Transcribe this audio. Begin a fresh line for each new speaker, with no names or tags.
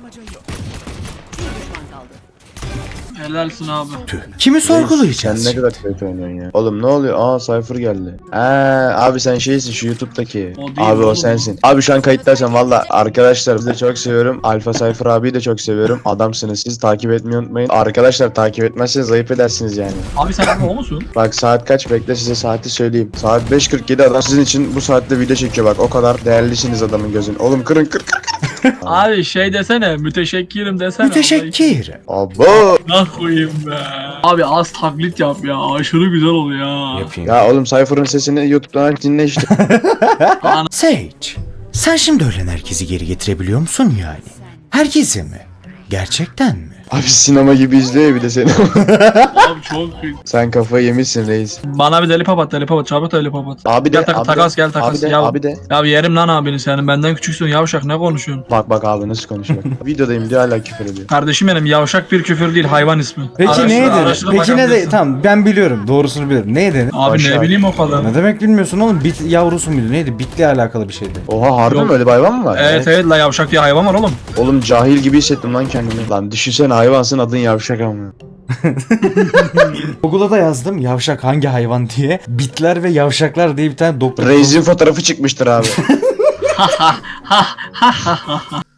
Helalsin abi.
Kimi sorgulayacağız?
Sen ne kadar kötü oynuyorsun ya. Oğlum ne oluyor? Aa Cypher geldi. Abi sen şeysin şu YouTube'daki.
O değil
Abi o
oğlum.
sensin. Abi şu an kayıtlarsan valla arkadaşlar sizi de çok seviyorum. Alfa Cypher abiyi de çok seviyorum. Adamsınız siz, takip etmeyi unutmayın. Arkadaşlar takip etmezseniz ayıp edersiniz yani.
Abi sen o musun?
Bak saat kaç, bekle size saati söyleyeyim. Saat 5:47, adam sizin için bu saatte video çekiyor bak. O kadar değerlisiniz adamın gözün. Oğlum kırın kır.
Abi şey desene, müteşekkirim desene.
Müteşekkir.
Abo.
Ne koyayım be. Abi az taklit yap ya. Aşırı güzel oluyor ya.
Yapayım.
Ya oğlum Cypher'ın sesini YouTube'dan aç dinle işte.
Sage, sen şimdi ölen herkesi geri getirebiliyor musun yani? Herkesi mi? Gerçekten mi?
Abi sinema gibi izliyor ya bir de seni.
Abi çok iyi.
Sen kafayı yemişsin reis.
Bana bir deli papat, deli papat, çabuk deli papat.
Abi de,
Gel
abi
takas
de,
gel takas.
Abi de,
ya,
abi de.
ya yerim lan abini senin. Benden küçüksün yavşak, ne konuşuyorsun?
Bak abi nasıl konuşuyor. Videodayım diyor hala küfür ediyor.
Kardeşim benim, yavşak bir küfür değil, hayvan ismi.
Peki
Araştır-
neye denir?
araştırıp
Peki ne de
bakabilirsin.
tamam ben biliyorum doğrusunu biliyorum. Neye denir?
Abi
Aşağı.
ne bileyim o kadar.
Ne demek bilmiyorsun oğlum? Bit yavrusu muydu? Neydi? Bitle alakalı bir şeydi.
Oha harbi
Yok.
mi, öyle bir hayvan mı var?
Evet evet la, yavşak diye hayvan var oğlum.
Oğlum cahil gibi hissettim lan kendimi. Lan düşünsene hayvansın, adın yavşak ama.
Google'a da yazdım yavşak hangi hayvan diye. Bitler ve yavşaklar diye bir tane doktor.
Reis'in fotoğrafı çıkmıştır abi.